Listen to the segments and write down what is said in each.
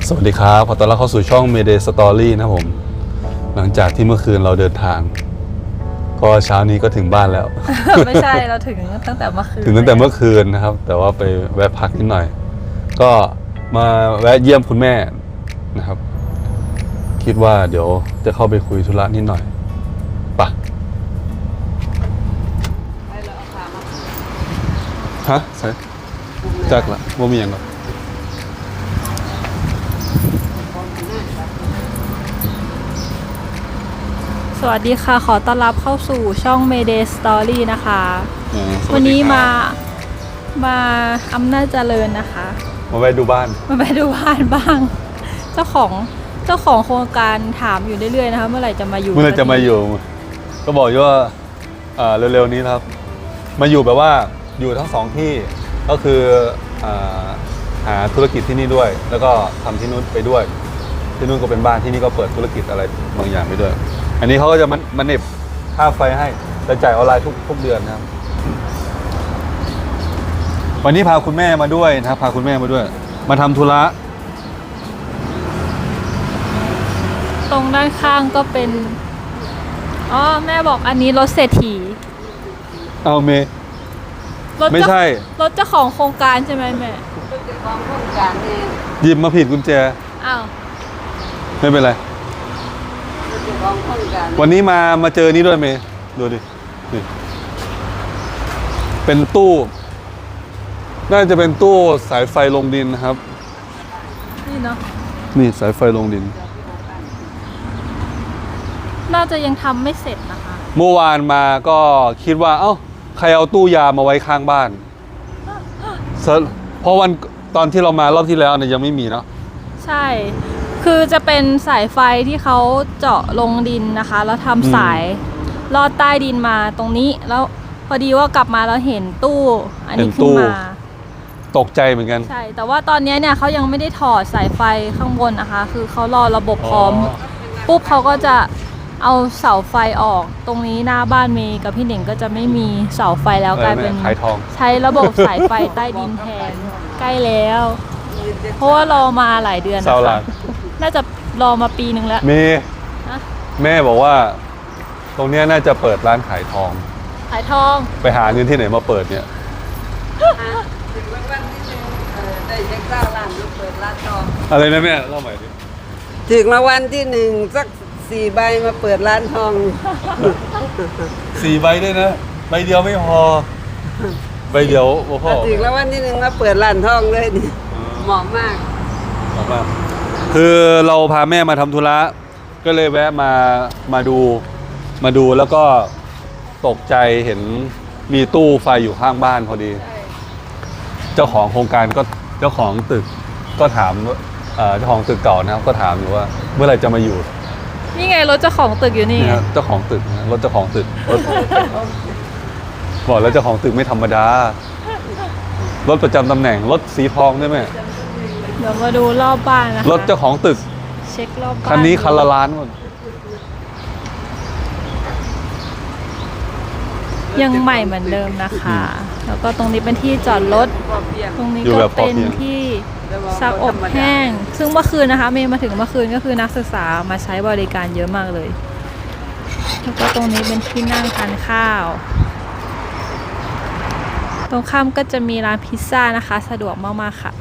สวัสดีครับขอต้อนรับเข้าสู่ช่อง Mayday Story นะผมหลังจากที่เมื่อคืนเราเดินทางก็เช้านี้ก็ถึงบ้านแล้วไม่ใช่เราถึงตั้งแต่เมื่อคืนถึงตั้งแต่เมื่อคืนนะครับแต่ว่าไปแวะพักนิดหน่อยก็มาแวะเยี่ยมคุณแม่นะครับคิดว่าเดี๋ยวจะเข้าไปคุยธุระนิดหน่อยปะฮะใช่จักละว่ามีอย่างหรอสวัสดีค่ะขอต้อนรับเข้าสู่ช่อง Mayday Story นะคะสวันสดีนี้ครับมาอำนาจเจริญนะคะมาแวะดูบ้านมาไปดูบ้านบ้าง เจ้าของโครงการถามอยู่เรื่อยๆนะคะเมื่อไหร่จะมาอยู่เมื่อไหรจะมาอยู่ก็บอกอยู่ว่าเร็วๆนี้นะครับ มาอยู่แบบว่าอยู่ทั้งสองที่ก็คือหาธุรกิจที่นี่ด้วย แล้วก็ทำที่นู้นไปด้วยที่นู้นก็เป็นบ้านที่นี่ก็เปิดธุรกิจอะไรบางอย่างไปด้วย อันนี้เขาก็จะมันเน็บค่าไฟให้แต่จ่ายออนไลน์ทุกเดือนนะครับ วันนี้พาคุณแม่มาด้วยนะครับพาคุณแม่มาด้วย มาทำธุระตรงด้านข้างก็เป็นอ๋อแม่บอกอันนี้รถเศรษฐีเอาเมย์รถไม่ใช่รถเจ้าของโครงการใช่ไหมแม่ของโครงการเองหยิบมาผิดกุญแจอ้าวไม่เป็นไรของโครงการวันนี้มาเจอนี้ด้วยเมย์ดูดินี่เป็นตู้ น่าจะเป็นตู้สายไฟลงดินนะครับนี่เนาะนี่สายไฟลงดินน่าจะยังทำไม่เสร็จนะคะเมื่อวานมาก็คิดว่าเอ้าใครเอาตู้ยามาไว้ข้างบ้านเพราะวันตอนที่เรามารอบที่แล้วเนี่ยยังไม่มีเนาะใช่ คือจะเป็นสายไฟที่เขาเจาะลงดินนะคะ แล้วทำสายลอดใต้ดินมาตรงนี้ แล้วพอดีว่ากลับมาแล้วเห็นตู้อันนี้ขึ้นมาตกใจเหมือนกันใช่ แต่ว่าตอนนี้เนี่ยเขายังไม่ได้ถอดสายไฟข้างบนนะคะ คือเขารอระบบพร้อม ปุ๊บเขาก็จะเอาเสาไฟออก ตรงนี้หน้าบ้านเมย์กับพี่หนิงก็จะไม่มีเสาไฟแล้วกลายเป็นขายทองใช้ระบบสายไฟใต้ดินแทน ใกล้แล้ว เพราะว่ารอมาหลายเดือนนะเสาหลัคะกน่าจะรอมาปีนึงแล้วเมย์ฮะแม่บอกว่า ตรงเนี้ยน่าจะเปิดร้านขายทองขายทองไปหาเงินที่ไหนมาเปิดเนี่ยถึงวันที่หนึ่งได้เช็คเจ้าร้านลูกเปิดร้านทองอะไรนะแม่เล่าใหม่ดิถึงรางวัลที่หนึ่งสัก4 ใบมาเปิดร้านทอง 4 ใบด้วยนะใบเดียวไม่พอใบเดียวโอ้พ่อถึงรางวัลที่หนึ่งมาเปิดร้านทองเลยนี่เหมาะมากบอกว่าคือเราพาแม่มาทำธุระก็เลยแวะมาดูแล้วก็ตกใจเห็นมีตู้ไฟอยู่ข้างบ้านพอดี เจ้าของโครงการก็เจ้าของตึกก็ถามเจ้าของตึกเก่านะครับก็ถามอยู่ว่าเมื่อไหร่จะมาอยู่นี่ไงรถเจ้าของตึกอยู่นี่นี่ครับเจ้าของตึกนะรถเจ้าของตึกรถบอกแล้วเจ้าของตึกไม่ธรรมดารถประจำตำแหน่งรถสีทองได้ไหมเดี๋ยวมาดูรอบบ้านนะคะรถเจ้าของตึกเช็ครอบบ้านคันนี้คันละล้านหมดยังใหม่เหมือนเดิมนะคะ แล้วก็ตรงนี้เป็นที่จอดรถพอเพียงตรงนี้อยู่ก็แบบพอเป็นเพียงที่ซักอบแห้ง ซึ่งเมื่อคืนนะคะ เมย์มาถึงเมื่อคืนก็คือนักศึกษามาใช้บริการเยอะมากเลย แล้วก็ตรงนี้เป็นที่นั่งทานข้าว ตรงข้ามก็จะมีร้านพิซซ่านะคะ สะดวกมากๆค่ะ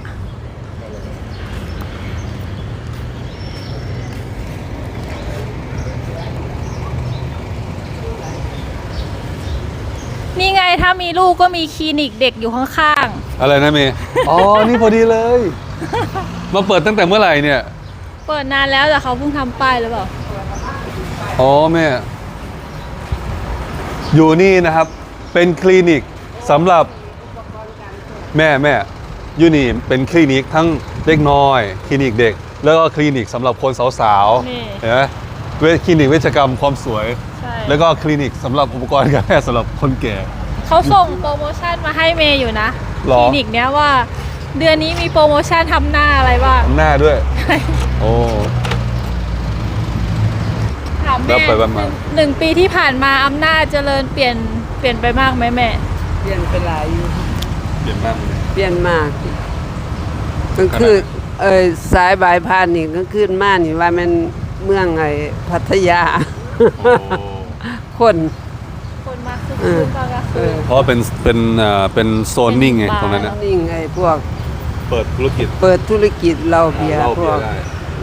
นี่ไงถ้ามีลูกก็มีคลินิกเด็กอยู่ข้างๆอะไรนะเมย์ อ๋อ นี่พอดีเลย มาเปิดตั้งแต่เมื่อไหร่เนี่ยเปิดนานแล้วแต่เขาเพิ่งทำป้ายหรือเปล่าอ๋อแม่ อยู่นี่นะครับ เป็นคลินิกสำหรับแม่อยู่นี่เป็นคลินิกทั้งเด็กน้อย คลินิกเด็ก แล้วก็คลินิกสำหรับคนสาวนี่ๆเห็นไหมคลินิกเวชกรรมความสวยใช่แล้วก็คลินิกสำหรับอุปกรณ์การแพทย์สำหรับคนแก่เขาส่งโปรโมชั่นมาให้เมย์อยู่นะหรอคลินิกเนี้ยว่า เดือนนี้มีโปรโมชั่นทำหน้าอะไรบ้างทำหน้าด้วย โอ้ถามแล้แม่วไปบ้านมาหนึ่งปีที่ผ่านมาอำนาจเจริญเปลี่ยนไปมากไหมแม่เปลี่ยนไปหลายอยู่เปลี่ยนมากเลยเปลี่ยนมากกลางคืนสายบายพานนี่ก็ขึ้นมานี่ว่ามันเมืองไอ้พัทยา คนคนมาคือคืนตอนกลางคืนเพราะว่าเป็นโซนนิ่งไงตรงนั้นนะนิ่งไอ้พวกเปิดธุรกิจเปิดธุรกิจเหล้าเบียร์เหล้าพเบีวย กร์ได้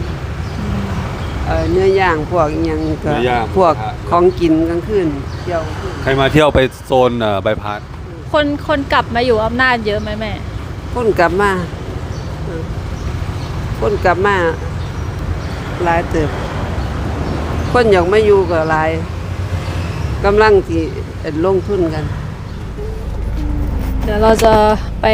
เนื้อย่างพวกอิหยังก็เนื้อย่างพวกหมูกระทะของกินกลางคืนเที่ยวกลางคืนใครมาเที่ยวไปโซนบายพาสคนกลับมาอยู่อำนาจเยอะไหมแม่คนกลับมาคนกลับมาหลายเติบคนอยากมาอยู่ก็หลายกำลังที่ลงทุนกันเดี๋ยวเราจะไป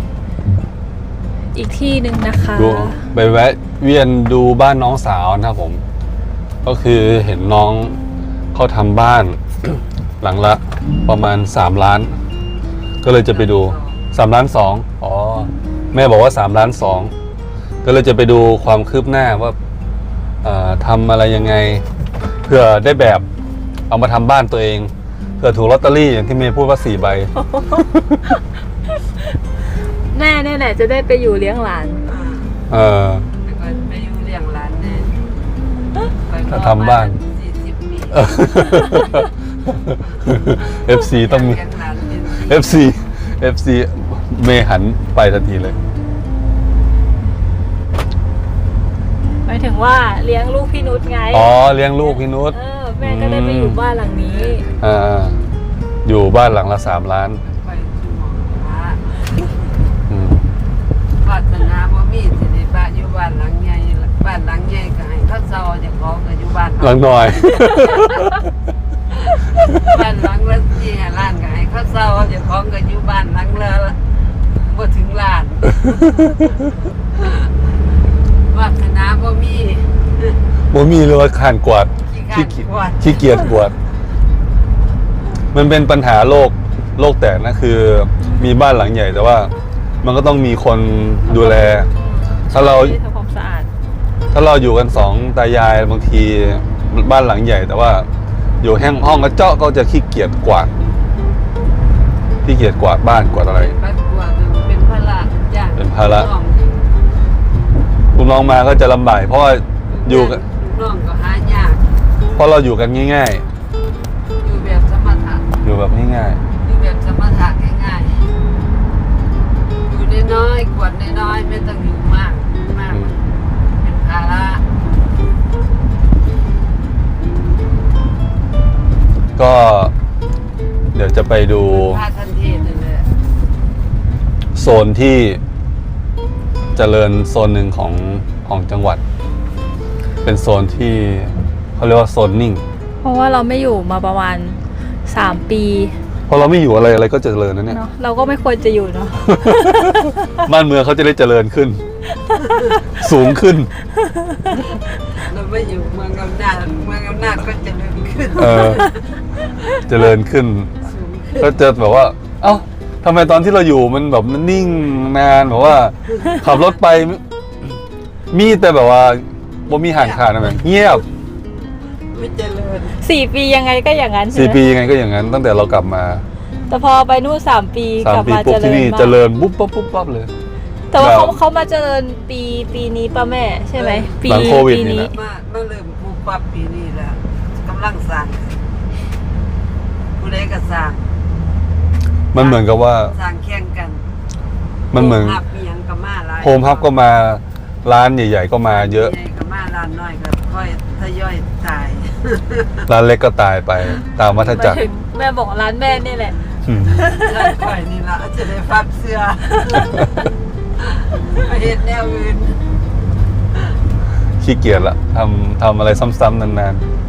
อีกที่หนึ่งนะคะดูไปแวะเวียนดูบ้านน้องสาวนะครับผม ก็คือเห็นน้องเขาทำบ้าน หลังละประมาณ3 ล้าน ก็เลยจะไปดู3 ล้าน2อ๋อแม่บอกว่า3 ล้าน2ก็เลยจะไปดูความคืบหน้าว่าทำอะไรยังไงเพื่อได้แบบเอามาทำบ้านตัวเองเพื่อถูกลอตเตอรี่อย่างที่เมย์พูดว่า4 ใบแม่เนี่ยแหละจะได้ไปอยู่เลี้ยงหลานแล้วก็ไปอยู่เลี้ยงหลานแน่ไปถ้าทำบ้าน 40 ปี FC ต้องมีเลี้ยงหลานเป็น FC เมย์หันไปทันทีเลยหมายถึงว่าเลี้ยงลูกพี่นุชไงอ๋อเลี้ยงลูกพี่นุชแม่ก็ได้ไปอยู่บ้านหลังนี้อยู่บ้านหลังละ3 ล้านไปสู่หมอพระอืมวาสนาบ่มีสิได้บ้านอยู่บ้านหลังใหญ่บ้านหลังใหญ่ก็ให้เขาเซาเจ้าของก็อยู่บ้านหลังหน่อยบ้านหลังละ4 ล้านก็ให้เขาเซาเจ้าของก็อยู่บ้านหลังละบ่ถึงล้านวาสนาบ่มีบ่มีเลยว่าขานกวาดขี้เกียจกวาดขี้เกียจกวาด มันเป็นปัญหาโลกแตกนะคือมีบ้านหลังใหญ่แต่ว่ามันก็ต้องมีคนดูแล ถ้าเราที่ทำความสะอาดถ้าเราอยู่กัน2 ตายายบางทีบ้านหลังใหญ่ แต่ว่าอยู่ห้องกระเจาะก็จะขี้เกียจกวาดขี้เกียจกวาดบ้านกวาดอะไรบ้านกวาดเป็นภาระจ้ะเป็นภาระน้องลูกน้องมาก็จะลำบากเพราะว่าอยู่กันน้องก็หายากเพราะเราอยู่กันง่ายอยู่แบบสมถะๆ อยู่แบบง่ายอยู่แบบสมถะง่ายๆอยู่น้อยๆกวดน้อยๆไม่ต้องอยู่มากมากเป็นภาระๆ ก็เดี๋ยวจะไปดูพาทันเทศเลยโซนที่เจริญโซนหนึ่งของจังหวัด เป็นโซนที่เขาเรียกว่าโซนนิ่งเพราะว่าเราไม่อยู่มาประมาณ3 ปีเพราะเราไม่อยู่อะไรก็เจริญนะเนี่ยเนาะเราก็ไม่ควรจะอยู่เนาะบ้านเมืองเขาจะได้เจริญขึ้น สูงขึ้นเราไม่อยู่เมืองอำนาจก็เจะเริ่มขึ้นเจริญขึ้นสูงขึ้นก็จะแบบว่า เอ้าทำไมตอนที่เราอยู่มันแบบมันนิ่งนานแบบว่า ขับรถไป มีแต่แบบว่าบ่มีห่างขาดนะแม่งเงียบไม่เจริญ 4 ปียังไงก็อย่างนั้นใช่ไหม 4 ปียังไงก็อย่างนั้น ตั้งแต่เรากลับมาแต่พอไปนู่น3 ปีกลับ 3 ปีมาปุ๊บเจริที่ญนี่มาเจกริญปุ๊บปั๊บปุ๊บปั๊บเลยแต่ว่าแบบเขามาเจริญปีนี้ป่ะแม่ใช่ไหมปีหลังโควิดปีนี่นี้แหละมาเริ่มปลูกปรับปีนี้แล้วกำลังสร้างผู้ใดก็สร้างมันเหมือนกับว่าสร้างแข่งกันมันเหมือนโฮฮับมีหยังก็มาหลายโฮมฮับก็มาร้านใหญ่ๆก็มาเยอะใหญ่ก็มาร้านน้อยก็ค่อยทยอยตายร้านเล็กก็ตายไปตามวัฏหมาจัยกรถึงแม่บอกร้านแม่นี่แหละอืมร้านค่อยนี่ล่ะจะได้ฟับเสื้อไปเฮ็ดแนวอื่นขี้เกียจละทำอะไรซ้ำๆนาน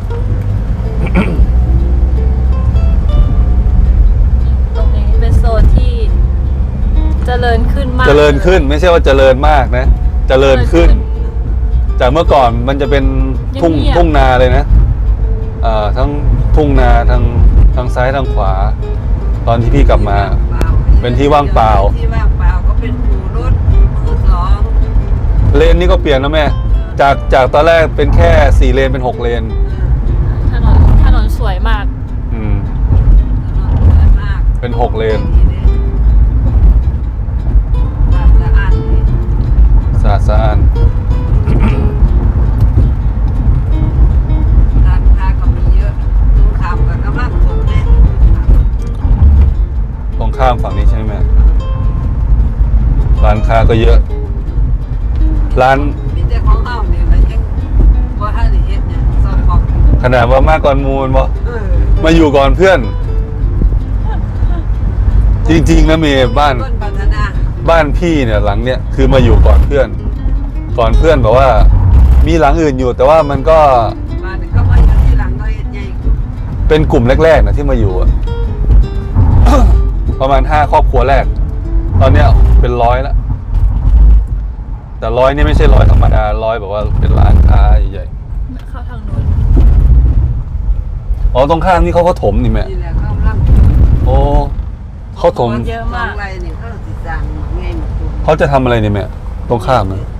ตรงนี้เป็นโซนที่เจริญขึ้นมากๆเจริญขึ้นไม่ใช่ว่าเจริญมากนะ เจริญขึ้น จากเมื่อก่อนมันจะเป็นทุ่งนาเลยนะทั้งทุ่งนาทางซ้ายทางขวา ตอนที่พี่กลับมา เป็นที่ว่างเปล่าที่ว่างเปล่าก็เป็นปูรถมือสองเลนนี่ก็เปลี่ยนนะแม่ จากตอนแรกเป็นแค่4 เลนเป็น6 เลนถนนสวยมากอืมถนนสวยมากเป็น6 เลนสะอาดดีสะอาดก็เยอะ ร้านมีแต่ของเฮานี่แล้วยังบ่ทันได้เฮ็ดเนี่ยซ่อมบอกขนาดว่ามากก่อนมูลบ่เออมาอยู่ก่อนเพื่อน จริงๆนะเมย์บ้านต้นพัฒนาบ้านพี่เนี่ยหลังเนี่ยคือมาอยู่ก่อนเพื่อน ก่อนเพื่อนแบบว่า มีหลังอื่นอยู่ แต่ว่ามันก็บ้านก็มาอยู่ที่หลังก็เฮ็ดใหญ่ขึ้นเป็นกลุ่มแรกๆนะที่มาอยู่อะ ประมาณ5 ครอบครัวแรก ตอนเนี้ยเป็น100แล้ว แต่100นี่ไม่ใช่100ธรรมดา100แบบว่าเป็นร้านค้าใหญ่เข้าทางนู้นๆอ๋อตรงข้ามนี่เขาก็ถมนี่แม่นี่แหละเขากำลังโอ้เขาถมเยอะมากสองไร่นี่เขาสิสร้างไงหมดตัวเขาจะทำอะไรเนี่ยแม่ตรงข้ามนะ